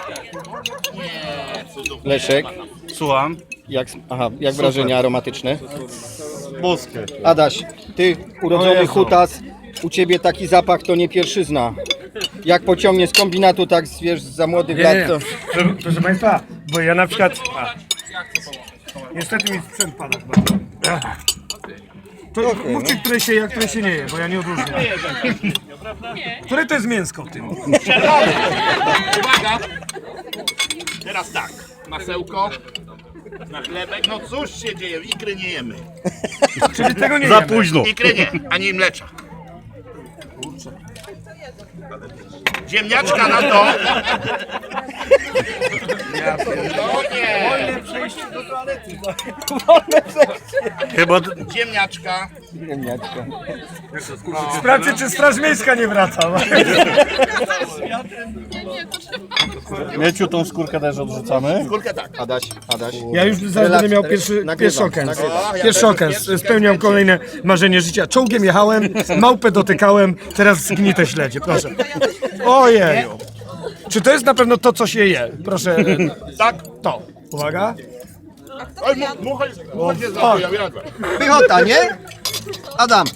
Leszek, Słucham. jak wrażenia aromatyczne? Boskie. Adaś, ty O urodzony Jezu. hutas, u ciebie taki zapach to nie pierwszyzna. Jak pociągnie z kombinatu, tak wiesz, za młodych lat to... Proszę Państwa, bo ja na przykład... Niestety mi sprzęt pada. To mówcie, które się je, a które się nie je, bo ja nie odróżniam. Które to jest mięsko w tym? Uwaga! Teraz tak, masełko, na chlebek, no cóż się dzieje, ikry nie jemy. Czyli tego nie Za jemy. późno. Ikry nie, ani mlecza. Ziemniaczka na to. No nie. Chyba Ziemniaczka. Sprawdźcie, czy Straż Miejska nie wraca. Mieciu, tą skórkę też odrzucamy. Skórkę tak. Adaś. Ja już zaraz będę miał pierwszy okens. Pierwszy okens. Spełniam kolejne marzenie życia. Czołgiem jechałem, małpę dotykałem, teraz zgnite śledzie, proszę. Ojeju. Czy to jest na pewno to, co się je? Proszę, Tak. to. Uwaga. Oj, mucha się zabiła, jadłem. Pychota, nie? Adam.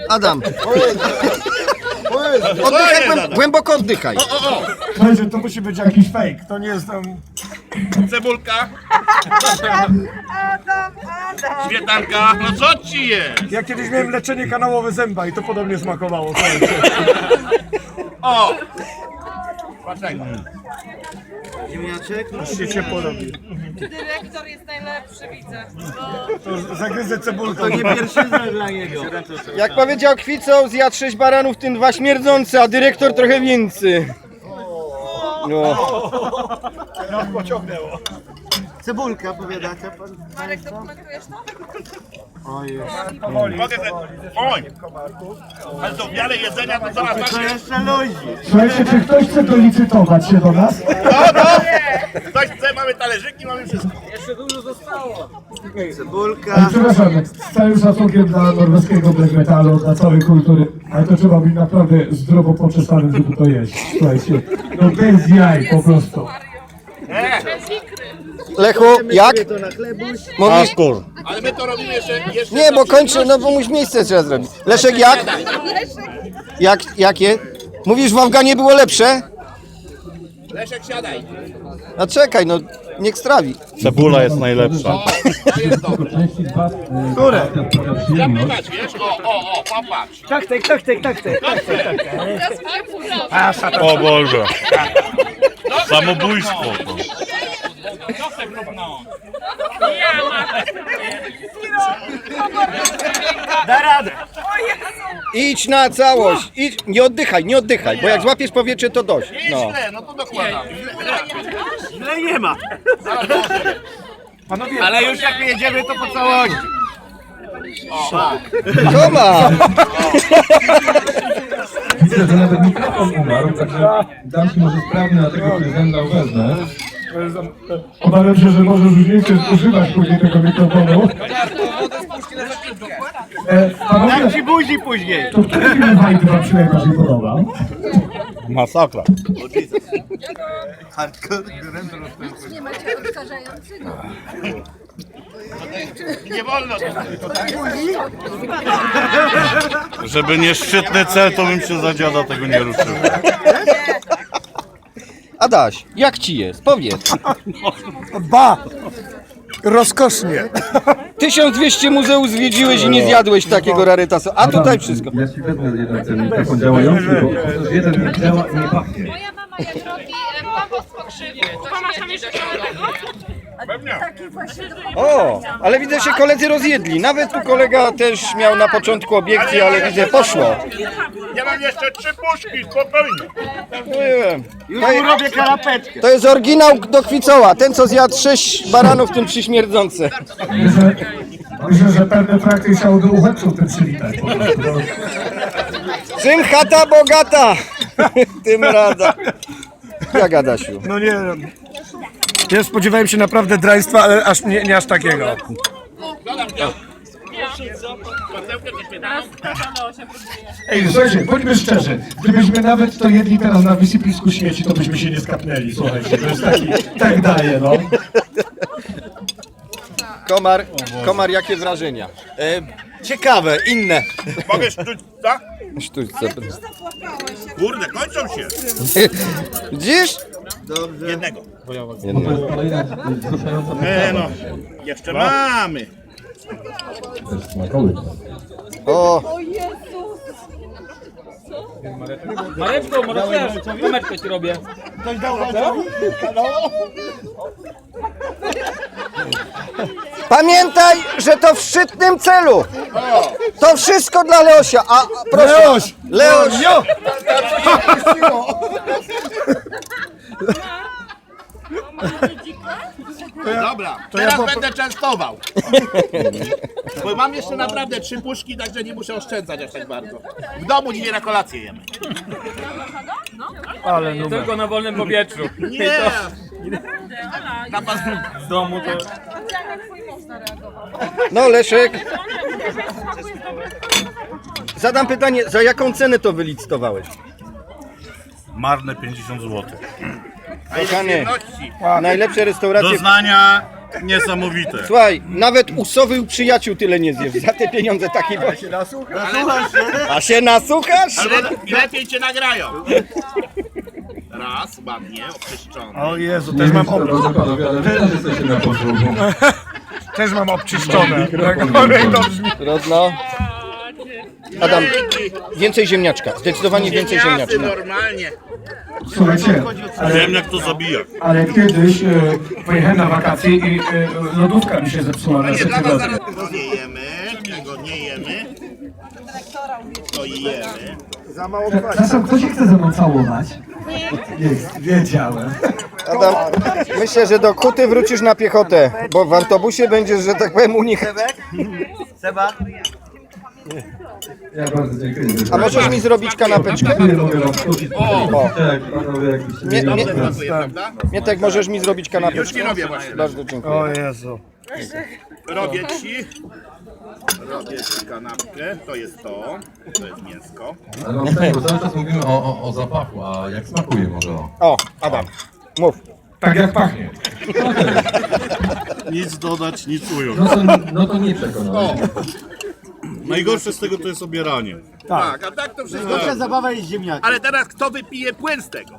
Oddychaj, głęboko oddychaj. Słuchajcie, to musi być jakiś fake. To nie jest tam... Cebulka. Śmietanka. No co ci jest? Ja kiedyś miałem leczenie kanałowe zęba i to podobnie smakowało. Słuchajcie. O! Dlaczego? Aż się ciepło robi. Dyrektor jest najlepszy, widzę. To zagryzę cebulką. Jak powiedział Kwicą, zjadł 6 baranów, w tym 2 śmierdzące, a dyrektor trochę więcej. No. Cebulka, powiadacie pan? Marek, dokumentujesz to? Mogę te... Oj! Ale to w miarę jedzenia to zaraz To macie... jeszcze ludzi. Słuchajcie, czy ktoś chce dolicytować się do nas? No! Ktoś chce, mamy talerzyki, mamy wszystko. Cebulka. Przepraszam, z całym szacunkiem dla norweskiego black metalu, dla całej kultury, ale to trzeba być naprawdę zdrowo poczesane, żeby to jeść. Słuchajcie, no bez jaj po prostu. Lechu, jak? To na chlebuś. Mówisz? Skór. Ale my to robimy jeszcze... Nie, bo kończę, no bo muś miejsce trzeba zrobić. Leszek, jak? Jakie? Mówisz, w Afganie było lepsze? Leszek, siadaj. No czekaj, no niech strawi. Cebula jest najlepsza. To jest dobre. Które? Zapytać, wiesz? O, popatrz. O Boże. Samobójstwo. To. Da radę. Idź na całość, idź, nie oddychaj, bo jak złapiesz powietrze, to dość. No. No. Źle, no to dokładam. Źle nie ma. Panowie, Ale już jak jedziemy, to po całości. Co ma? Widzę, że nawet mikrofon umarł, także dam ci może sprawny na tego prezydenta wezmę. obawiam się, że możesz już nie chcesz używać później tego mikrofonu. Panowie, Ci buzi później. to który film Wajdy wam się najbardziej podoba? Masakra. Nie macie odkażającego. Nie wolno. Żeby nie szczytny cel, to bym się za dziada tego nie ruszył. Adaś, jak ci jest? Powiedz. Ba! Rozkosznie. 1200 muzeów zwiedziłeś i nie zjadłeś takiego rarytasu, a tutaj wszystko. Ja ci wezmę jeden ten mikrofon działający, bo chociaż jeden nie działa i nie pachnie. Moja mama jak robi kompost po krzywie, to masz tam jeszcze O, ale widzę, że koledzy rozjedli. Nawet tu kolega też miał na początku obiekcję, ale widzę, poszło. Ja mam jeszcze 3 puszki, spokojnie. Nie wiem. Już mu robię kanapeczkę. To jest oryginał do Kwicoła. Ten, co zjadł 6 baranów, w tym 3 śmierdzące. Myślę, że pewne trakty chciał do uchodźców tym przywitać. Syn chata bogata. Tym rada. Jak Adasiu? No nie wiem. Ja spodziewałem się naprawdę draństwa, ale aż nie aż takiego. Dodam to. Masełkę czy śmietankę? Ej, słuchajcie, bądźmy szczerzy. Gdybyśmy nawet to jedli teraz na wysypisku śmieci, to byśmy się nie skapnęli, słuchajcie. To jest taki, tak daje, no. Komar, jakie wrażenia? Ciekawe, inne. Mogę sztućca? Sztućce. Kurde, kończą się. Widzisz? Jednego. Kolejna wzruszająca No, jeszcze mamy. też smakołyka. O, Mareczko, może też, kamerkę ci robię. pamiętaj, że to w szczytnym celu. To wszystko dla Leosia. A proszę. Leoś! Dobra, teraz będę częstował. Bo mam jeszcze naprawdę 3 puszki, także nie muszę oszczędzać aż tak bardzo. W domu dzisiaj na kolację jemy. Ale numer. Tylko na wolnym powietrzu. Nie! Na pas... W domu to... No Leszek. Zadam pytanie, za jaką cenę to wylicytowałeś? Marne 50 zł. Kochany, najlepsze restauracje. Doznania niesamowite. Słuchaj, nawet u Sowy u przyjaciół tyle nie zjesz. Za te pieniądze takie właśnie. A się nasłuchasz? Ale lepiej cię nagrają. Raz, ładnie, oczyszczony. O Jezu, też mam, Drodzy panowie, ale wy też jesteście na podróżu. też mam obczyszczone. To brzmi. Rodno. Adam, więcej ziemniaczka. Zdecydowanie więcej ziemniaczka. Normalnie. Słuchajcie, Wiem jak to zabija. ale kiedyś pojechałem na wakacje i lodówka mi się zepsuła na Nie, dla was sekundę. zaraz tego nie jemy, tego nie jemy. To jemy. Przepraszam, kto się chce ze mną całować? Jest, wiedziałem. Adam, myślę, że do Kuty wrócisz na piechotę, bo w autobusie będziesz, że tak powiem, u nich. Seba? Ja bardzo dziękuję. A możesz mi zrobić kanapeczkę? Nie mogę wam skrócić. Tak, panowie, jakbyście Nie, mieli nie. czas. Smakuje, prawda? Mietek, możesz mi zrobić Już kanapeczkę? ci robię właśnie. Bardzo dziękuję. O Jezu. Robię ci kanapkę, to jest to jest mięsko. Ale mam pytanie, bo cały czas mówimy o zapachu, a jak smakuje może o? O, Adam, mów. Tak jak pachnie. Nic dodać, nic ująć. No to nie przekonałem. Najgorsze z tego to jest obieranie. Tak, a tak to wszystko. Pierwsza zabawa jest ziemniaki. Ale teraz kto wypije płyn z tego?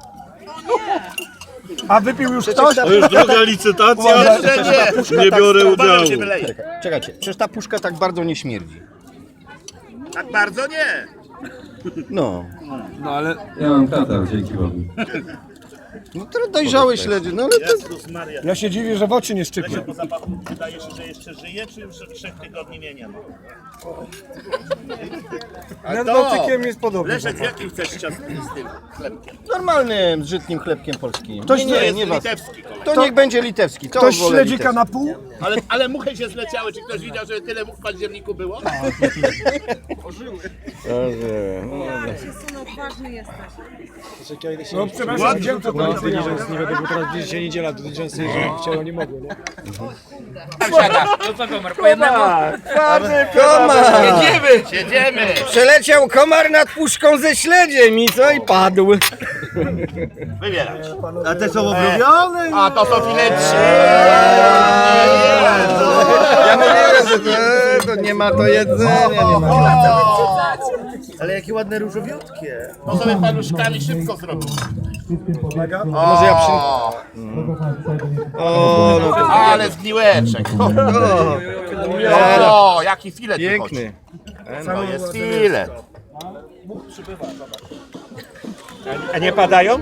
A wypił już ktoś? To już druga licytacja. Jeszcze nie. Nie biorę Uważam, udziału. się wyleje. Czekajcie, przecież ta puszka tak bardzo nie śmierdzi. Tak bardzo nie. No. Ja mam katar, dzięki Bogu. No to dojrzałe śledzie, no ale to... Jezus Maria. Ja się dziwię, że w oczy nie szczypie. Po zapachu wydaje się, że jeszcze żyje, czy już 3 tygodni nie ma? Nad Bałtykiem jest podobnie. Leszek, jaki chcesz z tym chlebkiem? Normalnym, żytnim chlebkiem polskim. Ktoś nie, To nie, jest nie was. litewski kolej. To niech będzie litewski. To Ktoś wolę śledzika litewski. na pół? Ale muchy się zleciały. Czy ktoś widział, że tyle much w październiku było? No przepraszam, gdzie to No, To co, komar, po jednego? Komar! Jedziemy! Przeleciał komar nad puszką ze śledziem i co? I padł. Wybierać. A te są obrobione? A to są fileci. Ja mówiłem, że to nie ma to jedzenia, nie ma. Ale jakie ładne różowiutkie. To sobie paluszkami szybko zrobił. Może ja przy... O, no to Ale zgniłeczek. O, jaki filet wychodzi. piękny. To jest filet. A nie padają?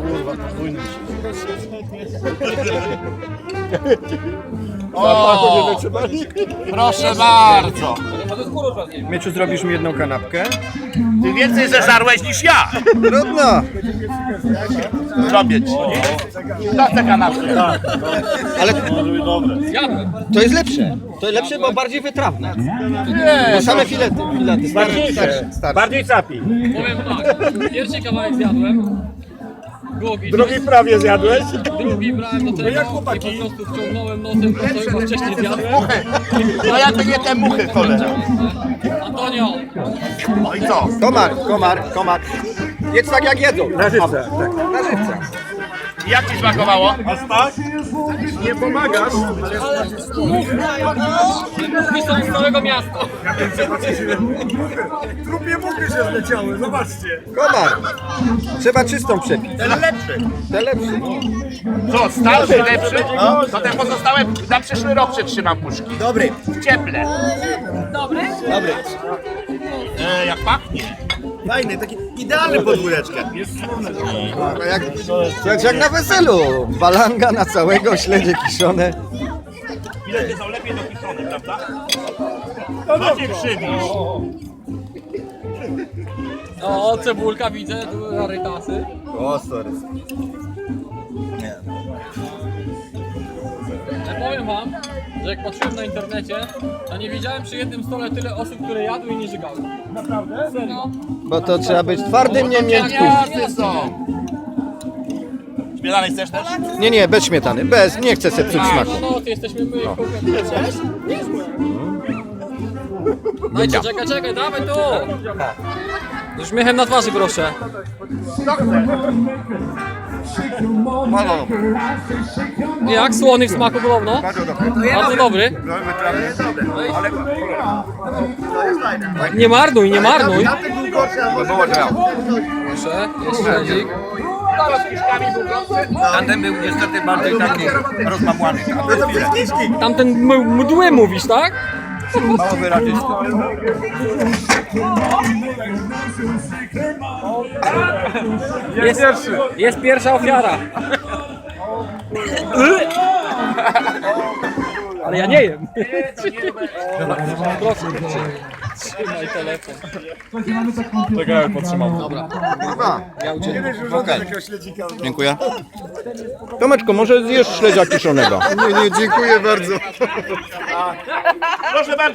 O, proszę bardzo. Mieczu, zrobisz mi jedną kanapkę? Ty więcej zeżarłeś niż ja. Trudno. Zrobię ci. To te kanapki. Ale to jest lepsze. To jest lepsze, bo bardziej wytrawne. Bo same filety. Starsze. Bardziej capi. Powiem tak, pierwszy kawałek zjadłem, Drugi prawie zjadłeś? Drugi brałem do tego jak chłopaki? i po prostu wciągnąłem nosem to, co już wcześniej zjadłem. Muchy. No ja to nie te muchy, cholera. Antonio, No i co? Komar. Jedz tak jak jedzą. Na żywce. Jak ci smakowało? Nie pomagasz. muchy są z całego miasta. Trupie muchy się zleciały, zobaczcie. Komar. Trzeba czystą przepić. Ten lepszy. Te lepszy. Co, starszy, lepszy? To te pozostałe na przyszły rok przetrzymam puszki. Dobry. W cieple. Dobry. Jak pachnie. Fajny, taki idealny podwóreczkę. Jak na weselu. Balanga na całego, śledzie kiszone. Bilety są lepiej dopiszone, prawda? Macie przybisz. O, cebulka widzę, tu rarytasy. O, sorry. Ja powiem wam, że jak patrzyłem na internecie, to nie widziałem przy jednym stole tyle osób, które jadły i nie żygały. Naprawdę? Serio? Bo to trzeba być twardym, nie miękkim. Gwiazdy są. Śmietany chcesz też? Nie, bez śmietany. Bez, nie chcę sobie psuć smaku. No, ty jesteśmy my. Dajcie, czekaj, dawaj tu! Z uśmiechem na twarzy, proszę. Jak? Słony w smaku podobno? Bardzo dobry. Nie marnuj. Proszę, jest śledzik. Tamten był niestety bardziej taki rozmamłany. Tamten mdły mówisz, tak? Mało wyrazisty. Jest pierwsza ofiara. Ale ja nie jem. Proszę, trzymaj telefon. Czekaj, potrzymam. Dziękuję. Tomeczko, może zjesz śledzia kiszonego? Nie, dziękuję bardzo. Proszę bardzo.